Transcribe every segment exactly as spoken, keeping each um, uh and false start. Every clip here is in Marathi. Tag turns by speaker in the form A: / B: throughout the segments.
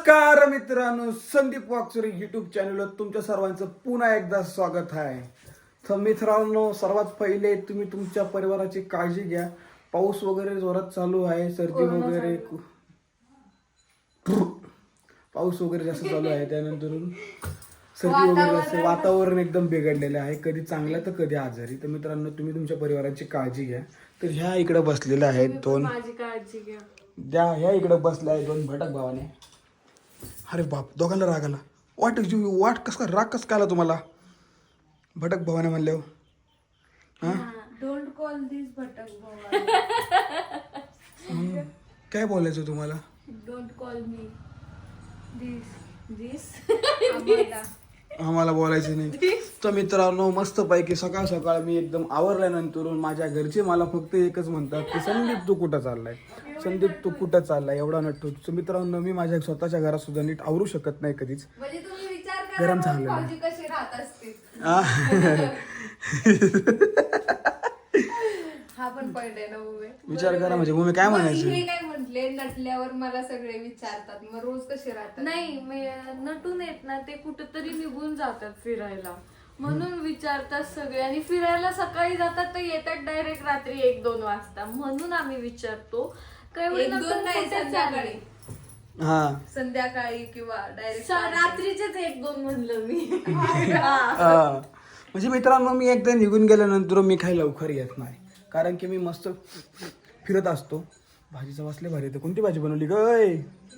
A: नमस्कार मित्रांनो, संदीप वाकचुरी युट्यूब चॅनलवर तुमच्या सर्वांचं पुन्हा एकदा स्वागत आहे. तर मित्रांनो, सर्वात पहिले तुम्ही तुमच्या परिवाराची काळजी घ्या. पाऊस वगैरे जोरात चालू आहे, सर्दी वगैरे पाऊस वगैरे जास्त चालू आहे, त्यानंतर सर्दी वगैरे जास्त, वातावरण एकदम बिघडलेलं आहे, कधी चांगलं तर कधी आजारी. तर मित्रांनो, तुम्ही तुमच्या परिवाराची काळजी घ्या. तर ह्या इकडे बसलेल्या आहेत दोन,
B: माझी काळजी घ्या.
A: त्या ह्या इकडे बसल्या आहेत दोन भटक भावाने. अरे बाप, दोघांना राग आला. वाट वाट कस का राग कस का आला तुम्हाला भटक भावाने म्हणल्यावर? हा,
B: डोंट कॉल दिस भटक
A: हम्म. काय बोलायचं तुम्हाला?
B: डोंट कॉल मी दिस दिस
A: आम्हाला बोलायचं नाही. तर मित्रांनो, मस्त पैकी सकाळ सकाळ मी एकदम आवरल्यानंतर माझ्या घरचे मला फक्त एकच म्हणतात की संदीप तू कुठं चाललाय, संदीप तू कुठं चाललाय, एवढा नटतो. तर मित्रांनो, मी माझ्या स्वतःच्या घरात सुद्धा नीट आवरू शकत नाही कधीच.
B: म्हणजे तुम्ही विचार करा
A: गरम झालं
B: भाऊजी कशी राहत असते. हा पण पॉइंट आहे ना उभे.
A: विचार करा म्हणजे मग मी काय म्हणायचं?
B: हे काय म्हटले, नटल्यावर मला सगळे विचारतात मग रोज कसे राहतात.
C: नाही मी नटून येत ना, ते कुठेतरी निघून जातात फिरायला, म्हणून विचारतात सगळे. आणि फिरायला सकाळी जातात तर येतात डायरेक्ट रात्री एक दोन वाजता, म्हणून आम्ही विचारतो. काय
B: एक दोन नाही, संध्याकाळी
A: हा,
B: संध्याकाळी किंवा डायरेक्ट
C: रात्रीचेच एक दोन म्हणलं मी.
A: हा. म्हणजे मित्रांनो, मी एकदा निघून गेल्यानंतर मी काही लवकर येत नाही, कारण की मी मस्त फिरत असतो. भाजीचा वासले भारी येतं. कोणती भाजी बनवली गय?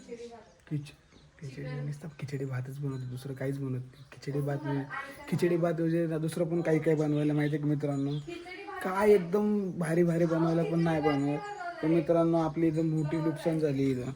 A: खिच खिचडी नुसतं खिचडी भातच बनवते, दुसरं काहीच बनवत नाही. खिचडी भात खिचडी भात म्हणजे दुसरं पण काही काही बनवायला माहिती आहे की मित्रांनो, काय एकदम भारी भारी बनवायला पण नाही बनवत. तर मित्रांनो, आपली इथं मोठी नुकसान झाली. इथं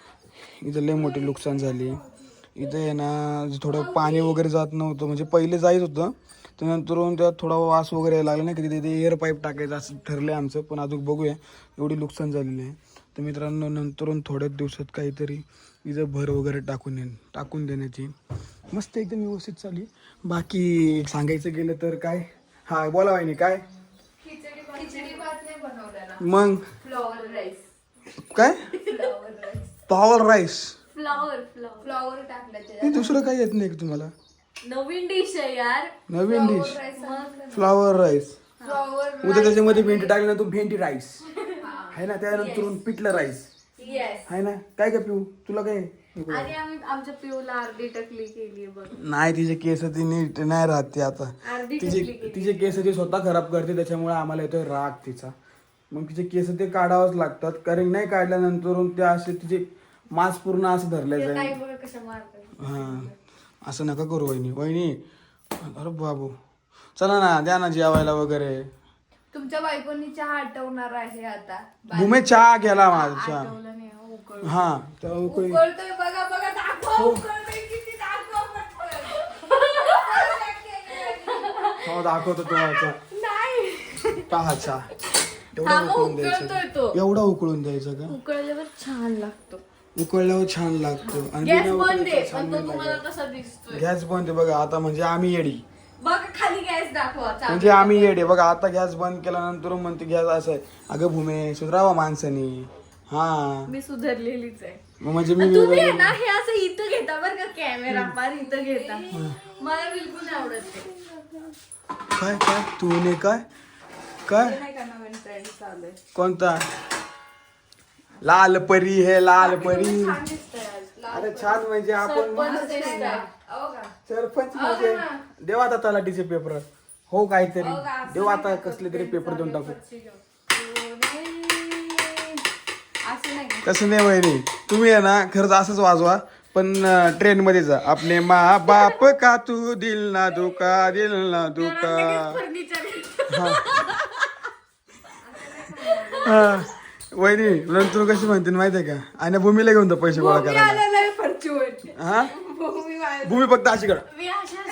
A: इथं लय मोठी नुकसान झाली. इथं आहे ना, थोडं पाणी वगैरे जात नव्हतं, म्हणजे पहिले जायच होतं, त्यानंतर त्यात थोडा वास वगैरे यायला लागला नाही की तिथे एअर पाईप टाकायचं असं ठरलं आहे आमचं. पण अजून बघूया, एवढी नुकसान झालेली आहे. तर मित्रांनो, नंतरून थोड्याच दिवसात काहीतरी इथं भर वगैरे टाकून येईन टाकून देण्याची मस्त एकदम व्यवस्थित चालली. बाकी सांगायचं गेलं तर काय, हा बोला वाहिनी काय
B: खिचडी भात नाही बनवलेला,
A: मग
B: फ्लॉवर राईस.
A: काय
B: flower rice
A: power rice?
C: Flower flower
B: flower टाकलं
A: हे
B: त्याच्यात.
A: दुसरं काही येत नाही का तुम्हाला?
C: नवीन डिश आहे यार.
A: नवीन dish
B: rice
A: flower rice.
B: Flower
A: उद्या त्याच्यामध्ये भेंडी टाकली ना, तू भेंडी राईस आहे ना, त्यानंतर पिठलं राईस
B: येस.
A: आहे ना. काय काय पिऊ तुला काय?
C: आणि आम्ही आमच्या पिऊला अर्धी टकली केली बघ.
A: नाही, तिचे केस ती नीट नाही राहत ती आता.
C: अर्धी
A: तिचे
C: टकली केली.
A: तिचे केस ती स्वतः खराब करते, त्याच्यामुळे आम्हाला येतोय राग तिचा. मग तिचे केस ते काढावंच लागतात, कारण नाही काढल्यानंतर ते असे तिचे मांस पूर्ण असं धरले
C: काही
A: जाईल.
C: बघ कशा मारतात.
A: हा, असं नका करू वहिनी. वहिनी अरे बाबू, चला ना, द्या ना जेवायला वगैरे.
B: तुमच्या बायकोनी चहा आटवणार आहे आता.
A: भूमे चहा गेला माझा.
C: आठवलं नाही हो, उकळ.
A: हा, तर उकळी.
B: उकळतोय बघा बघा, दाखव
A: हो.
B: उकळतोय किती, दाखव पटकन.
A: हो, दाखवतो तुम्हाला.
B: नाही
A: पहा चहा एवढा
C: हा, मग
A: उकळून
C: उकळतोय
A: द्यायचा
C: तो.
A: का? एवढा उकळून द्यायचा का?
C: उकळल्यावर छान लागतो.
A: उकळल्यावर छान लागतो. आणि
C: गॅस
A: बिना
C: बंद आहे,
A: उकळल्याचं छान
C: पण तो
A: नाही
C: तुम्हाला
A: लागत.
C: कसा दिसतोय
A: गॅस बंद आहे बघा आता, म्हणजे आम्ही येडी.
C: बघ खाली गॅस दाखवा. चालू.
A: म्हणजे आम्ही येडे बघा. आता गॅस बंद केल्यानंतर म्हणते गॅस असं आहे. अगं भूमे, सुधरावा माणसानी. हा,
C: मी सुधारलेलीच आहे.
A: मग म्हणजे मी
C: आणि तुम्ही आहे ना, हे असं इथं घेता बरं का, कॅमेरा पार इथं घेता. मला बिलकुल नाही आवडत ते.
A: काय काय तू ने काय काय
B: नाही का नवीन ट्रेंड चालू आहे.
A: कोणता? लाल परी हे लाल परी.
B: छान दिसतंय आज. लाल
A: अरे छान म्हणजे आपण
B: मस्त दिसतंय. अहो का?
A: सरपंच म्हणजे देवा आता तलाठीचे पेपर हो काहीतरी
B: अहो का, असं
A: देऊ
B: नाही
A: आता
B: का,
A: कसले तरी पेपर देऊन टाकू.
B: पेपरची घेऊन. हो, नाही. असं नाही का?
A: कसं नाही वहिनी, तुम्ही आहे ना खरंच असंच वाजवा, पण ट्रेन मध्ये जा. आपले मा बाप का तू दिल ना दुका दिल ना दुका.
C: फर्निचर.
A: हा, वहिनी नंतर कशी म्हणते माहितीये का, आणि भूमीला घेऊन जा पैसे गोळा
B: भूमी
A: करायला.
B: आलेला आहे फॉर्च्यून.
A: हा,
B: भूमी वाळ-
A: भूमी फक्त अशी कर
C: मी अशाच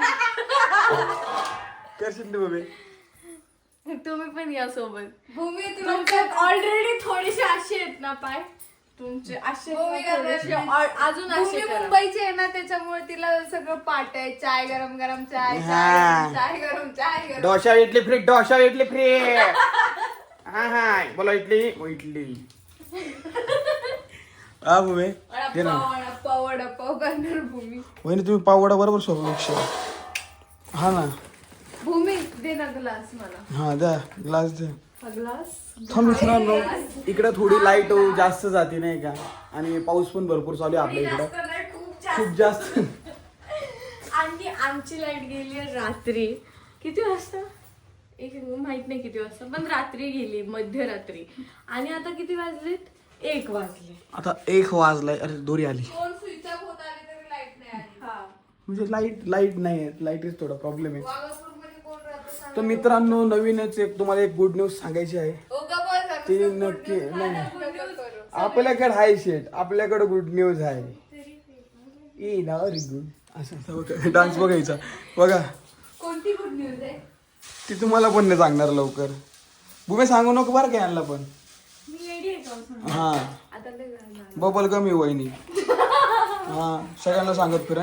A: करशील ना भूमी.
C: तुम्ही पण या सोबत.
B: भूमी तुला
C: तुमच्यात ऑलरेडी थोडेसे असे आहेत ना पाय तुमचे, असे
B: भूमी का
C: थोडेसे
B: प्रश्न?
C: ऑ- अजून
B: भूमी
C: असे करा.
B: मुंबईची आहे ना, त्याच्यामुळे तिला सगळं पाठ आहे. चाय गरम गरम चाय,
A: हा.
B: चाय गरम, चाय गरम चाय गरम.
A: Dosa idli free, dosa idli free. हा हा, बोला इडली. ओ इडली. हा भूमी घे ना.
B: वडापाव, वडापाव, वडापाव करणार भूमी.
A: वहिनी तुम्ही पावडा बरोबर सोबत हा ना.
B: भूमी दे ना ग्लास मला.
A: हा द्या ग्लास द्या.
B: हा ग्लास.
A: थांब मित्रांनो इकडे थोडी लाईट जास्त जाते नाही का आणि पाऊस पण भरपूर चालू आहे आपल्या इकडे खूप जास्त.
C: आणि आमची लाईट गेली रात्री किती वाजता एक माहित नाही किती वाजता पण रात्री गेली मध्यरात्री आणि आता किती वाजलेत एक वाजले.
A: आता एक वाजलाय. अरे दोरी आली
B: फोन स्विच ऑफ होत आले तरी लाईट नाही आली.
C: हा
A: म्हणजे लाईट लाईट नाही आहे लाईटच थोडा प्रॉब्लेम आहे.
B: वाघापूरमध्ये कोण राहतं सांग.
A: तर मित्रांनो नवीनच एक तुम्हाला एक गुड न्यूज सांगायची आहे.
B: ओ गं बस आता
A: ती
B: नुसतं
A: नक्की
B: good news
A: नाही
B: नका करू.
A: आपल्याकडे आहे शेट आपल्याकडे गुड न्यूज आहे. ई ना व्हेरी गुड असं डान्स बघायचा बघा.
B: कोणती गुड न्यूज आहे?
A: ती तुम्हाला पण नाही सांगणार लवकर. भूमी सांगू नको बरं काय आणला पण.
C: मी रेडी आहे का
A: हा
C: आता लय वेळ झाला.
A: बबल कमी वहिनी. हा सगळ्यांना सांगत फिरा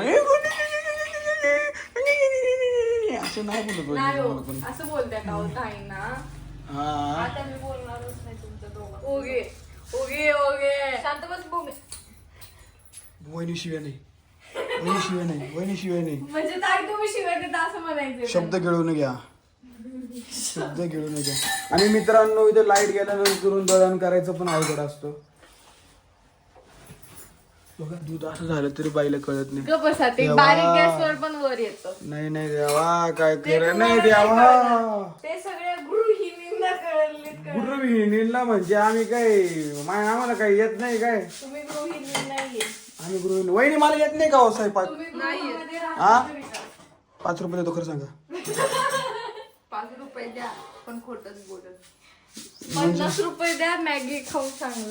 A: असं नाही बोलत
C: नाही हो,
A: वहिनी पण.
C: असं बोलत्या का होत आहे ना.
A: हा
C: आता मी बोलणारच नाही तुमच्या दोघं. ओगे ओगे ओगे शांत बस भूमी.
A: वहिनी शिवाय नाही वहिनी शिवाय नाही वहिनी शिवाय नाही.
C: म्हणजे ताई तुम्ही शिवाय देता असं म्हणायचं.
A: शब्द गिळून घ्या शब्द गिळून घ्या. आणि मित्रांनो इथे लाईट गेल्यानंतर दळण करायचं पण अवघड असतं. बघा दूध असं झालं तरी बाईला कळत नाही.
C: गप्प बसा ते
A: देवा.
C: बारीक गॅसवर पण वर येतं.
A: नाही नाही देवा काय
C: ते
A: खरं नाही
C: तुम्हाला
A: देवा.
C: कळलं. ते सगळ्या गृहिणींना कळले कळलं.
A: गृहिणीला म्हणजे आम्ही काय माय आम्हाला काय येत नाही काय.
C: तुम्ही गृहिणी नाहीये.
A: आम्ही गृहिणी वहिनी मला येत नाही का हो स्वयंपाक.
C: तुम्ही गृहामध्ये
A: हा?
C: राहता तरी का?
A: पाच रुपये देतो खरं सांगा.
B: पाच रुपये द्या पण खोटच बोलत.
C: पन्नास रुपये द्या मॅगी खाऊन सांगू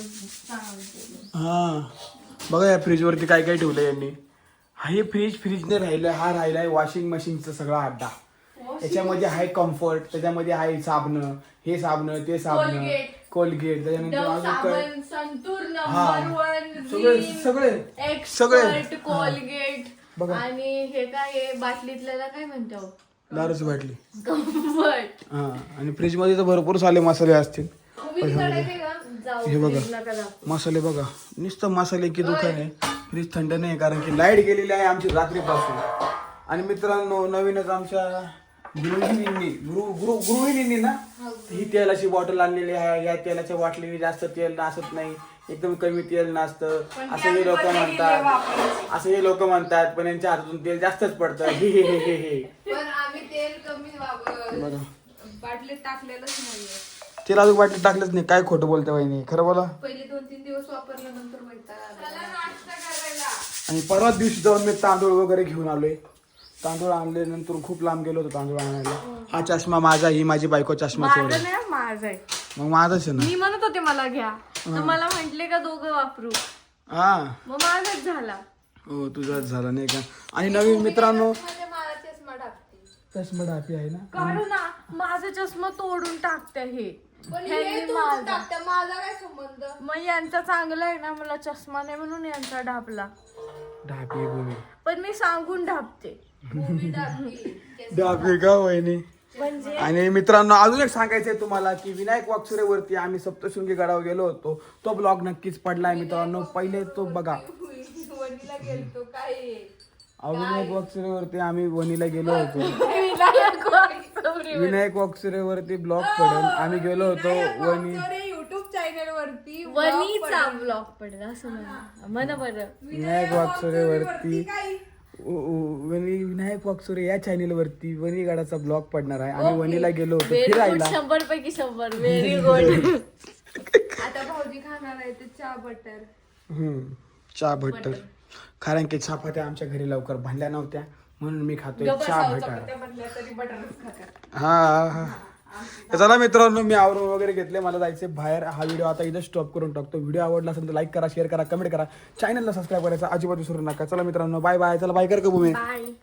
C: सांगू.
A: हा बघा या फ्रीज वरती काय काय ठेवलंय यांनी. हा हे फ्रीज फ्रीजने राहिलं हा राहिलाय वॉशिंग मशीनचा सगळा अड्डा. त्याच्यामध्ये आहे कम्फर्ट त्याच्यामध्ये आहे साबण हे साबण ते साबण
C: Colgate.
A: कोलगेट त्याच्यानंतर
C: डव
A: अजून काय
C: साबण संतूर
A: हा.
C: नंबर वन
A: सगळे
C: रिन,
A: सगळे
C: एक्सपर्ट
A: सगळे.
C: कोलगेट
A: बघा.
C: आणि हे काय आहे बाटलीतल्याला काय म्हणतो
A: दारूच बाटली.
C: कम्फर्ट.
A: हा आणि फ्रीज मध्ये तर भरपूर सारे मसाले असतील.
C: तुम्ही काढायचे का जाऊ
A: हे बघा.
C: फ्रीज नका दाखवू.
A: मसाले बघा नुसतं मसाले की दुकान आहे. फ्रीज थंड नाही कारण की लाईट गेलेली आहे आमची रात्रीपासून. आणि मित्रांनो नवीनच आमच्या गृहिणींनी गृह गृह गृहिणींनी ना ही तेलाची बॉटल आणलेली आहे. या तेलाच्या बाटलीने जास्त तेल नासत नाही एकदम कमी तेल नासतं असं हे लोक म्हणतात असं हे लोक म्हणतात पण यांच्या हातातून तेल जास्तच पडतं. हे हे हे हे हे
B: पण आम्ही तेल कमी वापर
A: बघा
B: बाटलीत टाकलेलंच नाहीये.
A: तेल अजून बाटली टाकलंच नाही. काय खोटं बोलते वहिनी खरं बोला.
B: पहिले दोन तीन दिवस वापरल्यानंतर वैताग आला. नाश्ता करायला
A: आणि परवा दिवशी जाऊन मी तांदूळ वगैरे घेऊन आलोय. तांदूळ आणले नंतर खूप लांब गेलो होतो तांदूळ आणायला. हा चष्मा माझा ही माझी बायको चष्मा
C: माझं
A: सोड
C: नाही माझं आहे.
A: मग माझाच आहे ना.
C: मी म्हणत होते मला घ्या तर मला म्हंटले का दोघं वापरू
A: हा
C: मग माझाच झाला.
A: हो तुझाच झाला नाही का. आणि नवीन मित्रांनो
B: म्हणजे मला चष्मा टाकते.
A: चष्मा डापी आहे ना.
C: काढू ना माझा चष्मा तोडून टाकते हे.
B: पण
C: ह्यांनी
B: हे तू
C: माझा.
B: टाकते माझा काय संबंध?
C: मग यांचा चांगला आहे ना मला चष्मा नाही म्हणून यांचा ढापला
A: डापी भूमी
C: पण मी सांगून ढापते.
B: भूमी टाकते.
A: डापी का वहिनी.
C: म्हणजे
A: आणि मित्रांनो अजून एक सांगायचंय तुम्हाला की विनायक वाकसुरेवरती आम्ही सप्तशृंगी गडावर गेलो होतो. तो ब्लॉग नक्कीच पडलाय मित्रांनो पहिले तो बघा.
B: वणीला गेलतो काय आहे?
A: अहो, विनायक वाकसुरेवरती आम्ही वणीला गेलो होतो.
C: विनायक वाकचौरे.
A: विनायक वाकसुरेवरती ब्लॉग पडेल आम्ही गेलो होतो वणी
B: युट्यूब चॅनल वरती
C: वणीचा ब्लॉग पडला असं म्हणा म्हणा बरं.
A: विनायक वाकसुरेवरती उ- उ- वणी विनायक वाकसुरे या चॅनल वरती वणीगडाचा ब्लॉग पडणार आहे. आम्ही वणीला गेलो होतो
C: व्हेरी गुड
A: फिरायला.
C: शंभर पैकी शंभर व्हेरी गुड.
B: आता भाऊजी खाणार आहे ते चहा बटर.
A: हम्म चहा भट्टर कारण की चपात्या आमच्या घरी लवकर बनल्या नव्हत्या म्हणून मी खातोय चहा भट्टर.
B: म्हटल्या तरी बटरच खातात.
A: हा हा तर चला मित्रांनो मी आवरून वगैरे घेतले मला जायचे बाहेर. हा व्हिडिओ आता इथं स्टॉप करून टाकतो. व्हिडिओ आवडला असेल तर लाईक करा शेअर करा कमेंट करा चॅनलला सबस्क्राईब करायचा अजिबात विसरू नका. चला मित्रांनो बाय बाय. चला बाय कर का भूमी.
C: बाय.